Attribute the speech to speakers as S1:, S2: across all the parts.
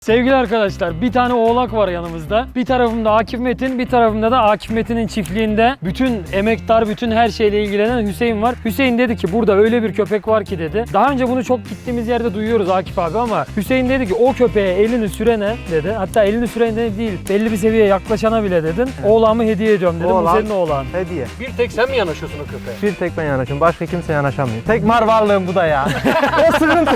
S1: Sevgili arkadaşlar, bir tane oğlak var yanımızda. Bir tarafımda Akif Metin, bir tarafımda da Akif Metin'in çiftliğinde bütün emektar, bütün her şeyle ilgilenen Hüseyin var. Hüseyin dedi ki burada öyle bir köpek var ki dedi. Daha önce bunu çok gittiğimiz yerde duyuyoruz Akif abi ama Hüseyin dedi ki o köpeğe elini sürene dedi. Hatta elini sürene değil, belli bir seviyeye yaklaşana bile dedin. Oğlağımı hediye ediyorum dedim. Bu senin oğlağın.
S2: Hediye.
S3: Bir tek sen mi yanaşıyorsun o köpeğe?
S2: Bir tek ben yanaşıyorum. Başka kimse yanaşamıyor. Tek mar varlığım bu da ya. O sıkıntı.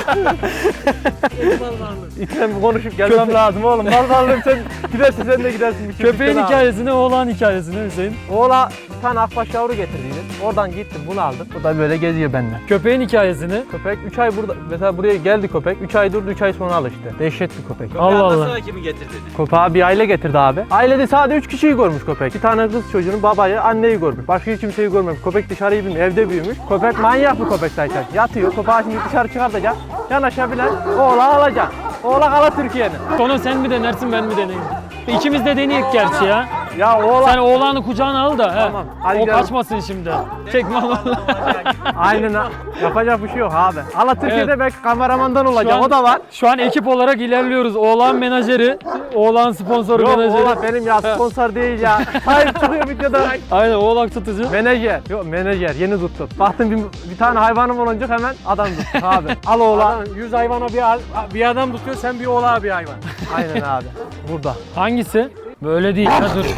S2: İçten konuşup gelmem lazım oğlum. Mar varlığım sen gidersin, sen de gidersin.
S1: Köpeğin hikayesini, oğlağın hikayesini Hüseyin.
S2: Oğla bir tane akbaş yavru getirdiydim. Oradan gittim, bunu aldım. Bu da böyle geziyor benden.
S1: Köpeğin hikayesini.
S2: Köpek 3 ay burada, mesela buraya geldi köpek. 3 ay durdu, 3 ay sonra alıştı. Dehşet bir köpek.
S1: Allah Allah.
S3: Sonra kimi getirdin?
S2: Köpeği bir aile getirdi abi. Ailede sadece 3 kişiyi görmüş köpek. Bir tane kız çocuğunu, babayı, anneyi görmüş. Başka hiç kimseyi görmemiş. Köpek dışarıyı bilmiyor, evde büyümüş. Köpek manyak bir köpek zaten. Yatıyor, köpeği şimdi dışarı çıkartacak. Yanaşabilen oğlağı alacak. Oğlak ala Türkiye'nin.
S1: Sonra sen mi denersin, ben mi deneyeyim? İkimiz de deneyek gerçi ya.
S2: Ya oğlak...
S1: Sen oğlanı kucağına al da.
S2: Tamam, hadi
S1: O
S2: gidelim.
S1: kaçmasın şimdi. Çekme vallahi.
S2: Aynen ha. Yapacak bir şey yok abi. Ala Türkiye'de
S1: Evet.
S2: belki kameramandan olacak,
S1: Şu an-
S2: o da var.
S1: Şu an ekip olarak ilerliyoruz. Oğlan menajeri, oğlan sponsoru
S2: Yok
S1: menajeri.
S2: oğlak benim ya, sponsor değil ya. Hayır çıkıyor videoda.
S1: Aynen, oğlak tutucu.
S2: Menajer. Yok menajer, yeni tuttum. Baktım bir tane hayvanım olunca hemen adam tuttum abi. Al oğlağı.
S3: 100 hayvana bir adam tutuyor, sen bir oğlağa bir hayvan.
S2: Aynen abi. Burada.
S1: Hangisi? Böyle değil. Ha, dur.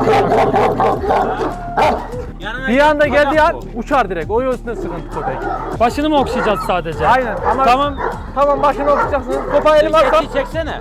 S2: Bir anda geldiği an uçar direkt. O yüzden sıkıntı köpek.
S1: Başını mı okşayacağız sadece?
S2: Aynen ama
S1: Tamam.
S2: tamam başını okuyacaksın. Kopağı elime atsam.
S3: Çeksene.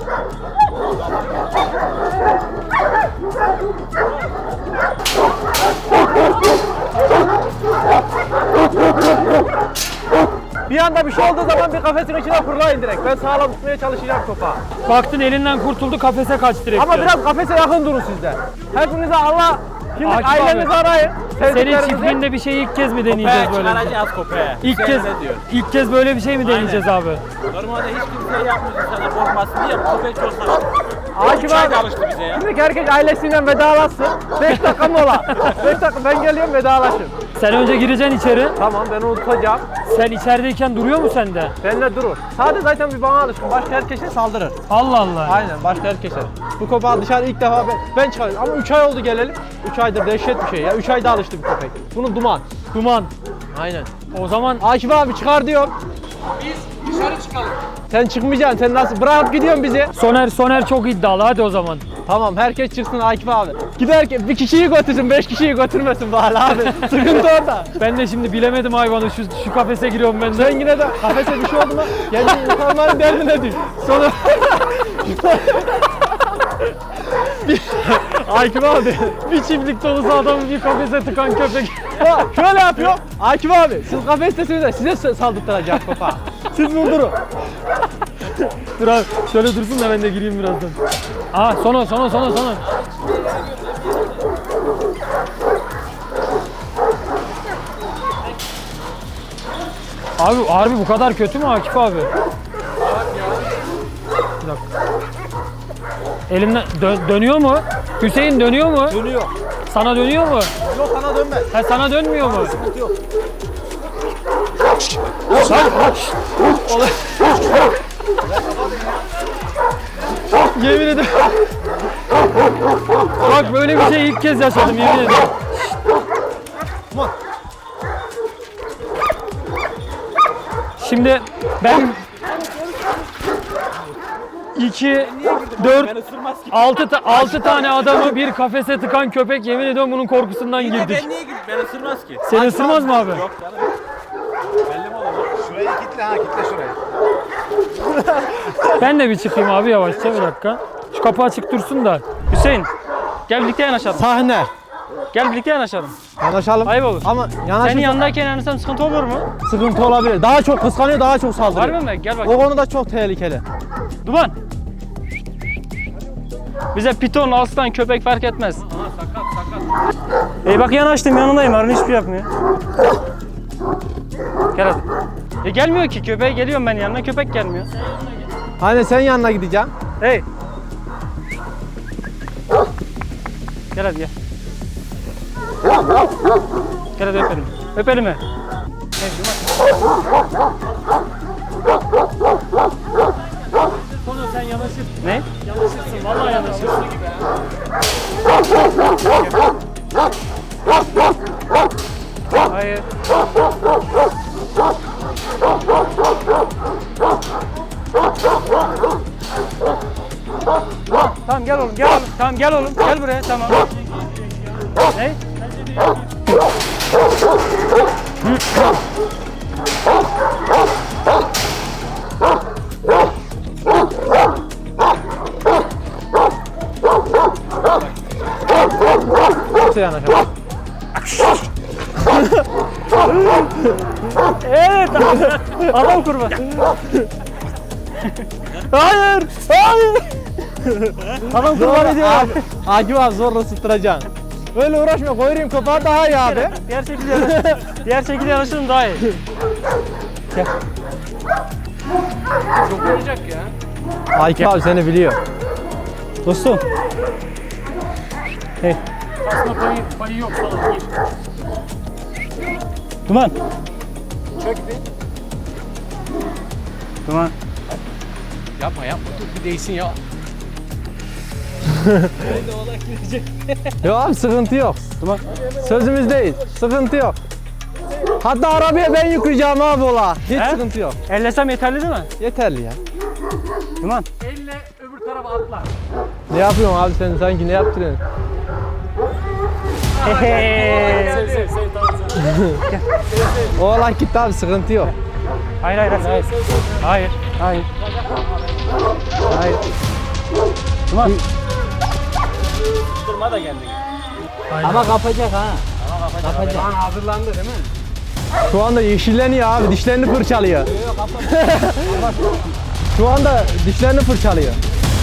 S2: Bir anda bir şey olduğu zaman bir kafesin içine fırlayın direkt. Ben sağlam tutmaya çalışacağım kopağı.
S1: Baktın elinden kurtuldu, kafese kaç direkt.
S2: Ama
S1: diyor.
S2: biraz kafese yakın durun sizde. Hepinize Allah, şimdi
S1: Akif
S2: ailenizi
S1: abi,
S2: arayın.
S1: Senin
S2: sevdiklerinizi.
S1: çiftliğinde bir şeyi ilk kez mi deneyeceğiz böyle?
S3: Çıkaracağız köpeğe.
S1: İlk
S3: Sen
S1: kez,
S3: ne diyor?
S1: ilk kez böyle bir şey mi deneyeceğiz abi?
S3: Normalde hiç kimse yapmıyor sana korkmasın diye bu köpek çok saçma.
S2: Akif
S3: 3 ayda
S2: abi,
S3: alıştı bize ya.
S2: şimdi herkes ailesiyle vedalaşsın. 5 dakika mola. 5 dakika ben geliyorum, vedalaşın.
S1: Sen önce gireceksin içeri.
S2: Tamam ben onu tutacağım.
S1: Sen içerideyken duruyor mu sende?
S2: Benimle durur. Sadece zaten bir bana alışkın. Başka herkese saldırır.
S1: Allah Allah.
S2: Aynen başka herkese. Bu köpeği dışarı ilk defa ben çıkarıyorum. Ama 3 ay oldu gelelim. 3 aydır dehşet bir şey ya. 3 ayda alıştı bir köpek. Bunu duman.
S1: Duman.
S2: Aynen.
S1: O zaman
S2: Akif abi çıkar diyorum.
S3: Biz dışarı çıkalım.
S2: Sen çıkmayacaksın. Sen nasıl bırakıp gidiyorsun bizi?
S1: Soner çok iddialı, hadi o zaman.
S2: Tamam herkes çıksın Akif abi. Giderken bir kişiyi götürsün, 5 kişiyi götürmesin bari abi. Sıkıntı orada.
S1: Ben de şimdi bilemedim hayvanı, şu kafese giriyorum ben de.
S2: Sen yine de kafese bir şey oldu mu? Kendi insanların derdine düş.
S1: Sonra
S2: Akif abi.
S1: bir çiftlik dolusu adamı bir kafese tıkan köpek.
S2: Bak, şöyle yapıyor. Akif abi siz kafestesiniz de size saldırtacak kafa. Siz vurdurun.
S1: Dur abi, şöyle dursun da ben de gireyim birazdan. Aa, Soner. Abi harbi bu kadar kötü mü Akif abi? Bir dakika. Elimden dönüyor mu? Hüseyin dönüyor mu?
S2: Dönüyor.
S1: Sana dönüyor mu?
S2: Yok sana dönmez.
S1: Ha, sana dönmüyor mu?
S2: Sıkıntı yok.
S1: Yemin ederim. Bak böyle bir şey ilk kez yaşadım, yemin ederim. Şimdi ben 2, 4,
S3: Ben ısırmaz ki.
S1: 6 tane adamı bir kafese tıkan köpek, yemin ediyorum bunun korkusundan girdik.
S3: Ben niye gidip ben ısırmaz ki?
S1: Seni ısırmaz mı abi?
S3: Yok canım. Belli mi olur?
S4: Şurayı kitle ha, kitle şurayı.
S1: Ben de bir çıkayım abi yavaşça, bir dakika. Şu kapı açık dursun da. Hüseyin, gel birlikte yanaşalım.
S2: Sahne.
S1: Gel birlikte yanaşalım.
S2: Yanaşalım.
S1: Ayıp olur.
S2: Ama
S1: Senin
S2: yanaşırsa
S1: yanındayken yanaşsam sıkıntı olur mu?
S2: sıkıntı olabilir. Daha çok kıskanıyor, daha çok saldırıyor.
S1: Harbi mi? Gel bak.
S2: O konuda çok tehlikeli.
S1: Duman. Bize piton, aslan, köpek fark etmez. Bak yanaştım, yanındayım. Arın hiçbir şey yapmıyor. Gel hadi. Gelmiyor ki, köpeğe geliyorum ben yanına, köpek gelmiyor.
S2: Hani sen yanına gideceksin.
S1: Hey. Gel hadi gel. Gel hadi öpelim. Öpelim mi? Hey, Konu sen yanaşırsın.
S3: Ne?
S1: Yanaşırsın. Vallahi yanaşırsın.
S3: Hayır. Tamam gel oğlum gel oğlum. Tamam gel oğlum gel buraya tamam. Ne?
S2: Kimse yanaşamaz.
S3: Evet adam kurban. Hayır hayır. Adam kurban ediyor.
S2: Abi, Akif abi zorla ısıttıracaksın. Öyle uğraşma, koyayım kapağı daha iyi abi.
S3: Diğer şekilde yanaş. Diğer şekilde yanaşırım daha iyi. Gel.
S1: Çok olacak ya.
S2: Akif abi seni biliyor.
S3: Dostum. Hey.
S1: Aslında payı yok sana. Gir.
S3: Duman.
S1: Çök bir.
S3: Duman.
S1: Yapma dur bir değsin ya.
S2: Yok abi sıkıntı yok.
S3: Tamam.
S2: Sözümüzdeyiz. Sıkıntı yok. Hatta arabaya ben yükleyeceğim abi ola. Hiç
S3: He?
S2: sıkıntı yok.
S3: Ellesem yeterli değil mi?
S2: Yeterli ya.
S3: Duman.
S1: Elle öbür tarafa atla.
S2: Ne yapıyorsun abi sen sanki ne yaptırıyorsun?
S1: Sev tamam sen.
S2: Oğlan gitti abi sıkıntı yok.
S3: Hayır hayır hayır. Hayır. Hayır. Hayır. Duman.
S1: Durma da kendini.
S3: Ama kapacak ha.
S1: Kapacak. Lan hazırlandı değil mi?
S2: Şu anda yeşilleniyor abi dişlerini fırçalıyor. Şu anda dişlerini fırçalıyor.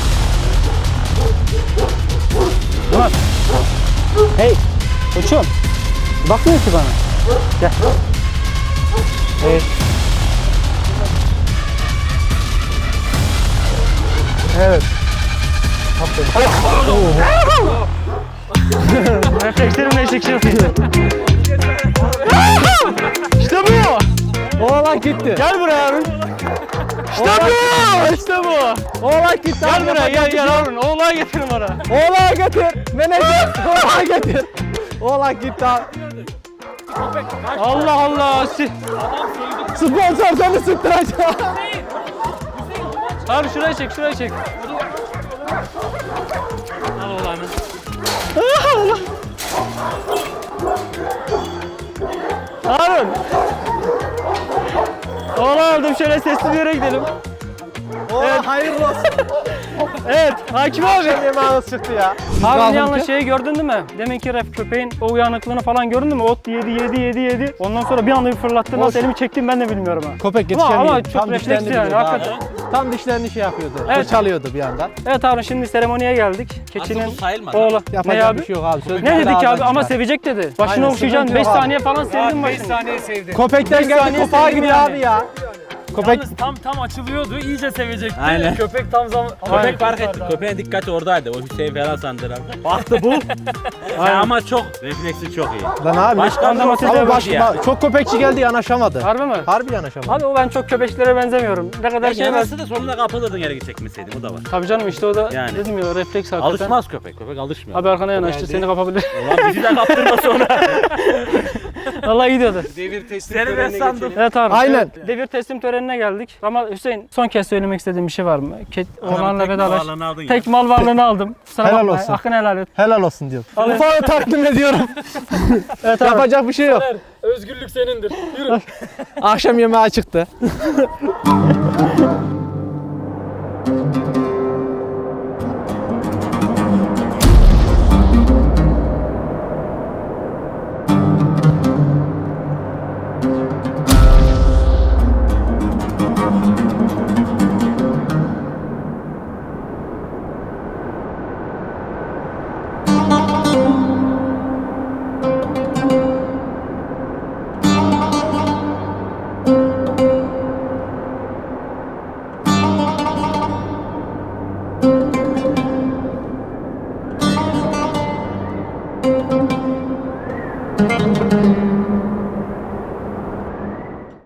S3: Duman. Hey. Koçum. Bakmıyor ki bana. Gel. Evet.
S2: Evet.
S3: Reflekslerimle eşek şey yapıyor. İşte bu.
S2: Oğlan gitti.
S3: Gel buraya Harun. İşte bu. İşte bu.
S2: Oğlan gitti.
S3: Gel
S2: abi,
S3: buraya
S2: yapacak bir
S3: gel
S2: şey yok.
S3: Harun. Oğlan getirin bana.
S2: Oğlan getir. Menajer. Oğlan getir. Oğlan gitti abi.
S3: Allah Allah.
S2: Sponsor seni sıktıracak.
S3: Harun şuraya çek şuraya çek.
S1: Al oğlanı.
S3: Harun. Oğlan aldım şöyle sesli bir yere gidelim.
S2: Oğlan hayırlı olsun.
S3: Evet Hakim abi.
S2: Yemeğiniz çıktı ya.
S3: Harun yalnız şeyi gördün değil mi? Deminki köpeğin o uyanıklığını falan gördün mü? Ot yedi. Ondan sonra bir anda bir fırlattı. Nasıl elimi çektiğimi ben de bilmiyorum ha.
S2: Köpek
S3: Ama
S2: yetişemiyor.
S3: çok
S2: Tam
S3: refleksli
S2: dişlerini
S3: yani,
S2: biliyordu abi.
S3: hakikaten.
S2: Tam dişlerini şey yapıyordu.
S3: Evet.
S2: Fırçalıyordu bir anda.
S3: Evet Harun şimdi seremoniye geldik. Keçinin
S1: Aslında bu sayılmaz
S3: oğlu. Ne
S2: Yapacak
S3: abi?
S2: bir şey yok abi. Söz
S3: Ne
S2: bir
S3: dedik
S2: ağızdan
S3: abi ama
S2: çıkar.
S3: sevecek dedi. Başını
S2: Aynen,
S3: okşayacaksın.
S2: sıkıntı
S3: 5
S2: yok abi.
S3: saniye falan sevdim
S1: 5
S3: başını.
S1: saniye sevdi.
S2: Köpekten
S3: Beş
S2: geldi
S3: saniye
S2: kopağa
S3: sevdim
S2: gidiyor
S3: yani.
S2: abi ya. Köpek
S1: Yalnız tam açılıyordu, iyice sevecekti.
S3: Aynen.
S1: Köpek tam zaman...
S3: Köpek
S4: Fark etti. Köpeğin dikkati oradaydı. O Hüseyin falan sandı herhalde. Baktı bu. Ama çok refleksi çok iyi.
S2: lan abi.
S4: Başkan da
S3: Ama
S4: olsa
S3: baş-
S2: Çok köpekçi geldi yanaşamadı.
S3: Harbi mi?
S2: Harbi yanaşamadı.
S3: Abi o ben çok köpeklere benzemiyorum. Ne kadar şey var.
S4: Yanası da sonunda kapılırdın yere çekmeseydim. O da var.
S3: Tabii canım işte o da
S4: Yani.
S3: dedim ya refleks hakikaten.
S4: Alışmaz köpek. Köpek alışmıyor.
S3: Abi arkana yanaştı seni kapabilir.
S4: Ulan bizi de kaptırma sonra.
S3: Vallahi gidiyordu.
S1: Devir teslim
S4: Seni ben sandım.
S3: Evet abi.
S2: Aynen.
S3: evet, devir teslim törenine geldik. Ama Hüseyin son kez söylemek istediğim bir şey var mı? Oğlanla
S4: tek
S3: vedalaş.
S4: mal varlığını aldın ya.
S3: Tek mal varlığını aldım. Kusura
S2: Helal
S3: bakma,
S2: olsun.
S3: hakkını helal et.
S2: Helal olsun diyor.
S3: Alın.
S2: Ufağı takdim ediyorum.
S3: Evet abi.
S2: Yapacak bir şey yok.
S1: Özgürlük senindir. Yürü.
S2: Akşam yemeği çıktı.